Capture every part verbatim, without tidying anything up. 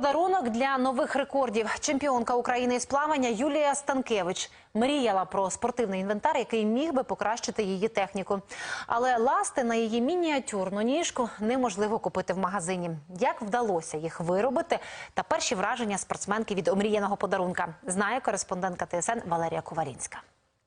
Подарунок для нових рекордів. Чемпіонка України із плавання Юлія Станкевич мріяла про спортивний інвентар, який міг би покращити її техніку. Але ласти на її мініатюрну ніжку неможливо купити в магазині. Як вдалося їх виробити та перші враження спортсменки від омріяного подарунка, знає кореспондентка Т С Н Валерія Ковалінська.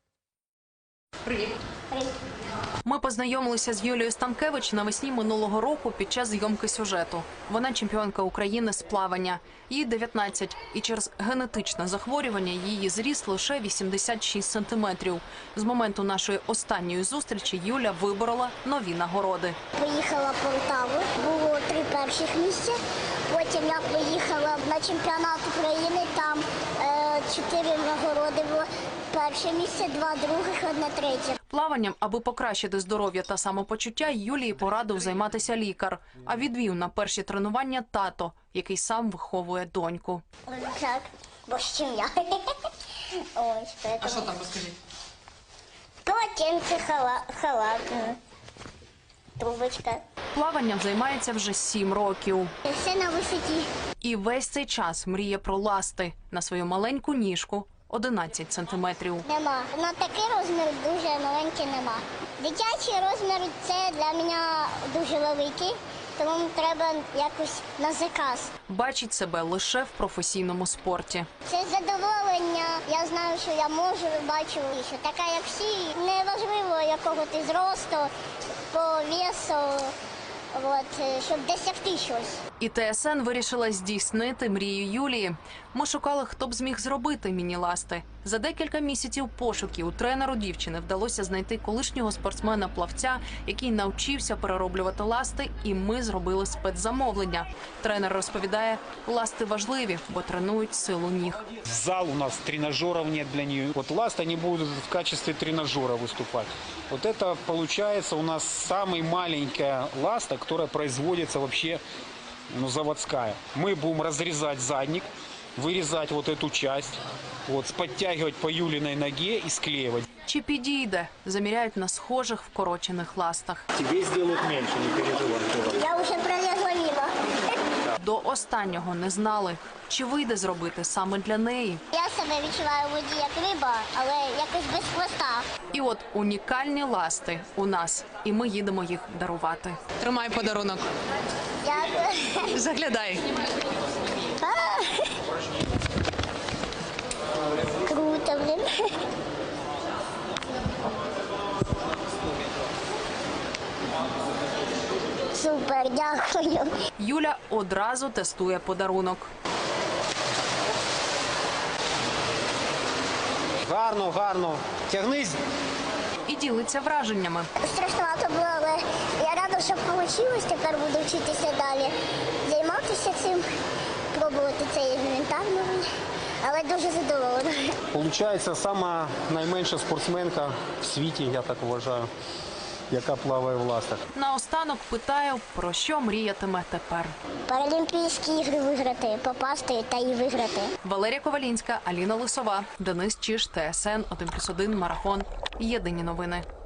Привіт. Привіт. Ми познайомилися з Юлією Станкевич навесні минулого року під час зйомки сюжету. Вона чемпіонка України з плавання. Їй дев'ятнадцять, і через генетичне захворювання її зріст лише вісімдесят шість сантиметрів. З моменту нашої останньої зустрічі Юля виборола нові нагороди. Поїхала в Полтаву, було три перших місця. Потім я поїхала на чемпіонат України, там е, чотири нагороди було. Перше місце, два других, одне третє. Плаванням, аби покращити здоров'я та самопочуття, Юлії порадив займатися лікар. А відвів на перші тренування тато, який сам виховує доньку. Так, бо з чим я. Ось, поэтому... А що там, розкажіть? Полотенце, хала... халат, трубочка. Плаванням займається вже сім років. Все на висоті. І весь цей час мріє про ласти на свою маленьку ніжку одинадцять сантиметрів. Нема. На такий розмір дуже маленький нема. Дитячий розмір – це для мене дуже великий, тому треба якось на заказ. Бачить себе лише в професійному спорті. Це задоволення. Я знаю, що я можу, бачу, що така, як всі. Неважливо, якого ти зросту, по весу, от, щоб досягти щось. І Т С Н вирішила здійснити мрію Юлії. Ми шукали, хто б зміг зробити міні-ласти. За декілька місяців пошуків тренеру дівчини вдалося знайти колишнього спортсмена-плавця, який навчився перероблювати ласти, і ми зробили спецзамовлення. Тренер розповідає, ласти важливі, бо тренують силу ніг. Зал у нас тренажеров нет для нее. Вот ласты они будут в качестве тренажера выступать. Вот это получается у нас самая маленькая ласта, которая производится вообще, ну, заводская. Мы будем разрезать задник, вырезать вот эту часть, вот, подтягивать по Юлиной ноге и склеивать. Чи підійде? Заміряють на схожих вкорочених ластах. Тебе сделают меньше, не переживай. Я вже пролізла мимо. До останнього не знали, чи вийде зробити саме для неї. Я себе відчуваю в воді як риба, але якось без хвоста. І от унікальні ласти у нас, і ми їдемо їх дарувати. Тримай подарунок. Дякую. Заглядай. А! Круто, блин. Супер, дякую. Юля одразу тестує подарунок. Гарно, гарно. Тягнись. І ділиться враженнями. Страшновато було, але я рада, що вийшло. Тепер буду вчитися далі. Займатися цим, пробувати цей інвентар новий. Але дуже задоволена. Получається, сама найменша спортсменка в світі, я так вважаю, яка плаває в ластах. Наостанок питаю, про що мріятиме тепер. Паралімпійські ігри виграти, попасти та і виграти. Валерія Ковалінська, Аліна Лисова, Денис Чиж, Т С Н один плюс один, Марафон. Єдині новини.